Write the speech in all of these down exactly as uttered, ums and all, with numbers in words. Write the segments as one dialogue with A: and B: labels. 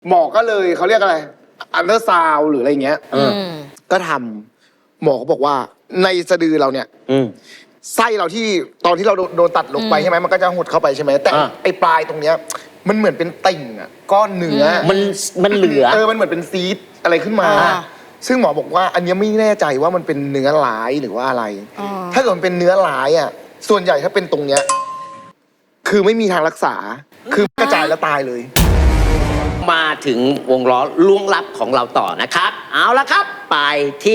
A: หมอก็เลยเขาเรียกอะไรอันเดอร์ซาวหรืออะไรเงี้ยก็ทำหมอก็บอกว่าในสะดือเราเนี่ยไส้เราที่ตอนที่เราโดนตัดลงไปใช่ไหมมันก็จะหดเข้าไปใช่ไหมแต่ไอ้ปลายตรงเนี้ยมันเหมือนเป็นติ่งอ่ะก้อนเนื้อ
B: มันมันเหลือ
A: เออมันเหมือนเป็นซีดอะไรขึ้นมาซึ่งหมอบอกว่าอันนี้ไม่แน่ใจว่ามันเป็นเนื้อร้ายหรือว่าอะไรถ้าเกิดมันเป็นเนื้อร้ายอ่ะส่วนใหญ่ถ้าเป็นตรงเนี้ยคือไม่มีทางรักษาคือกระจายแล้วตายเลย
B: มาถึงวงล้อล่วงลับของเราต่อนะครับ เอาละครับไปที่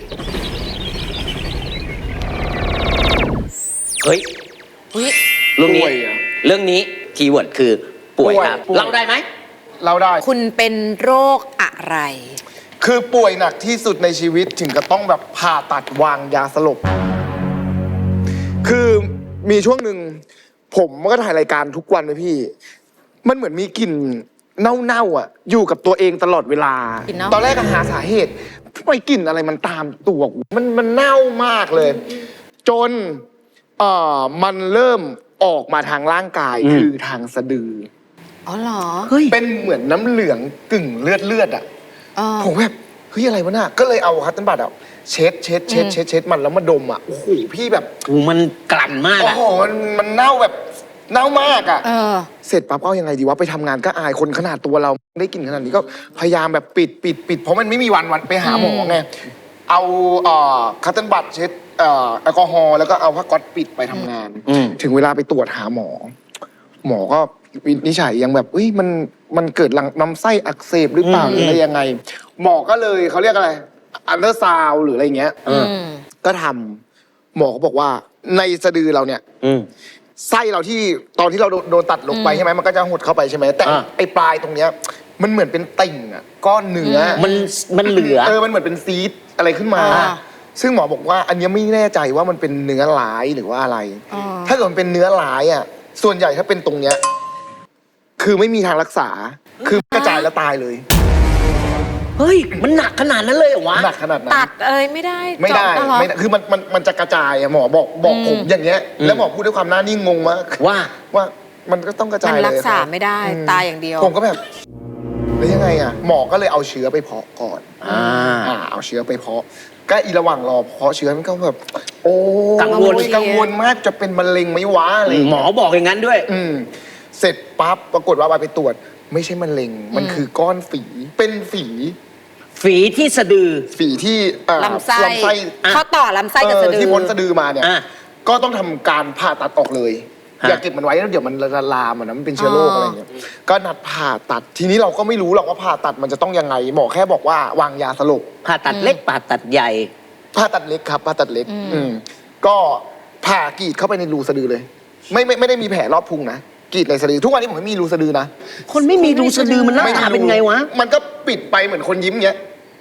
B: เฮ้ยเรื่องนี้เรื่องนี้คีย์เวิร์ดคือป่วยครับเล่าได้ไหม
A: เล่าได้
C: คุณเป็นโรคอะไร
A: คือป่วยหนักที่สุดในชีวิตถึงกับต้องแบบผ่าตัดวางยาสลบคือมีช่วงหนึ่งผมก็ถ่ายรายการทุกวันเลยพี่มันเหมือนมีกลิ่นเน่าๆอ่ะอยู่กับตัวเองตลอดเวลาตอนแรกก็หาสาเหตุทำไมกลิ่นอะไรมันตามตัวมันมันเน่ามากเลยจนเอ่อมันเริ่มออกมาทางร่างกายคือทางสะดือ
C: อ๋อเหรอ
A: เป็นเหมือนน้ำเหลืองกึ่งเลือดเลือดอ่ะผมแบบเฮ้ยอะไรวะน่ะก็เลยเอาคัตเติ้ลบัตอ่ะเช็ดเช็ดเช็ดเช็ดเช็ดมันแล้วมาดมอ่ะโอ้โหพี่แบบ
B: โอ้มันกลั่นมาก
A: โอ้โหมันมันเน่าแบบเน่ามากอ่ะ
C: เออ
A: เสร็จปั๊บเอายังไงดีวะไปทำงานก็อายคนขนาดตัวเราได้กลิ่นขนาดนี้ก็พยายามแบบปิดปิดปิดเพราะมันไม่มีวันวันไปหาหมอไงเอาเอ่อคัตเติ้ลบัตเช็ดเอ่อแอลกอฮอล์แล้วก็เอาผ้าก๊อซปิดไปทำงานถึงเวลาไปตรวจหาหมอหมอก็วินิจฉัยยังแบบเอ้ยมันมันเกิดหลังลำไส้อักเสบหรือเปล่าหรืออะไรยังไงหมอก็เลยเขาเรียกอะไรอันเดอร์ซาวหรืออะไรเงี้ยก็ทำหมอก็บอกว่าในสะดือเราเนี่ยไส้เราที่ตอนที่เราโดนตัดลงไปใช่ไหมมันก็จะหดเข้าไปใช่ไหมแต่ไอ้ปลายตรงเนี้ยมันเหมือนเป็นติ่งอ่ะก้อนเนื้อ
B: มันมันเหลือ
A: เออมันเหมือนเป็นซีดอะไรขึ้นมาซึ่งหมอบอกว่าอันนี้ไม่แน่ใจว่ามันเป็นเนื้อร้ายหรือว่าอะไรถ้าเกิดมันเป็นเนื้อร้ายอ่ะส่วนใหญ่ถ้าเป็นตรงเนี้ยคือไม่มีทางรักษาคือกระจายแล้วตายเลย
B: เฮ้ยมันหนักขนาดนั้นเลยเหรอวะ
A: หนักขนาดนั้น
C: ตัดอะไรไม่ได้
A: ไม่ได้ไม่ได้คือมันมันมันจะกระจายอะหมอบอกบอกผมอย่างเงี้ยแล้วหมอพูดด้วยความหน้านิ่งงงมาก
B: ว่า
A: ว่ามันก็ต้องกระจายเลย
C: มันรักษาไม่ได้ตายอย่างเดียว
A: ผมก็แบบแล้วยังไงอะหมอก็เลยเอาเชื้อไปเพาะก่อนอ่าเอาเชื้อไปเพาะก็อีระหว่างรอเพาะเชื้อมันก็แบบโอ้
B: กังวล
A: กังวลมากจะเป็นมะเร็งไหมวะอะไร
B: หมอบอกอย่างนั้นด้วย
A: อืมเสร็จปั๊บปรากฏว่าไปตรวจไม่ใช่มะเร็งมันคือก้อนฝีเป็นฝี
B: ฝีที่สะดือ
A: ฝีที่
C: ลำไส้เขาต่อลำไส้กับสะดือ
A: ที่พ้นสะดือมาเนี่ยก็ต้องทำการผ่าตัดออกเลยอย่าเก็บมันไว้แล้วเดี๋ยวมันละลามนะมันเป็นเชื้อโรคอะไรอย่างเงี้ยก็นัดผ่าตัดทีนี้เราก็ไม่รู้หรอกว่าผ่าตัดมันจะต้องยังไงหมอแค่บอกว่าวางยาสลบ
B: ผ่าตัดเล็กผ่าตัดใหญ่
A: ผ่าตัดเล็กครับผ่าตัดเล็กอืมก็ผ่ากรีดเข้าไปในรูสะดือเลยไม่ไม่ไม่ได้มีแผลรอบพุงนะกรีดในสะดือทุกวันนี้ผมไม่มีรูสะดือนะ
B: คนไม่มีรูสะดือมันหน้าตาเป็นไงวะ
A: มันก็ปิดไปเหมือนคนยิ้มเงี้ย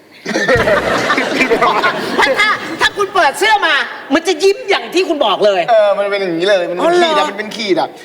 B: ถ้าถ้าคุณเปิดเสื้อมามันจะยิ้มอย่างที่คุณบอกเลย
A: เออมันเป็นอย่างนี้เลยมันเป็นขีดอะมันเป็นขีดอะ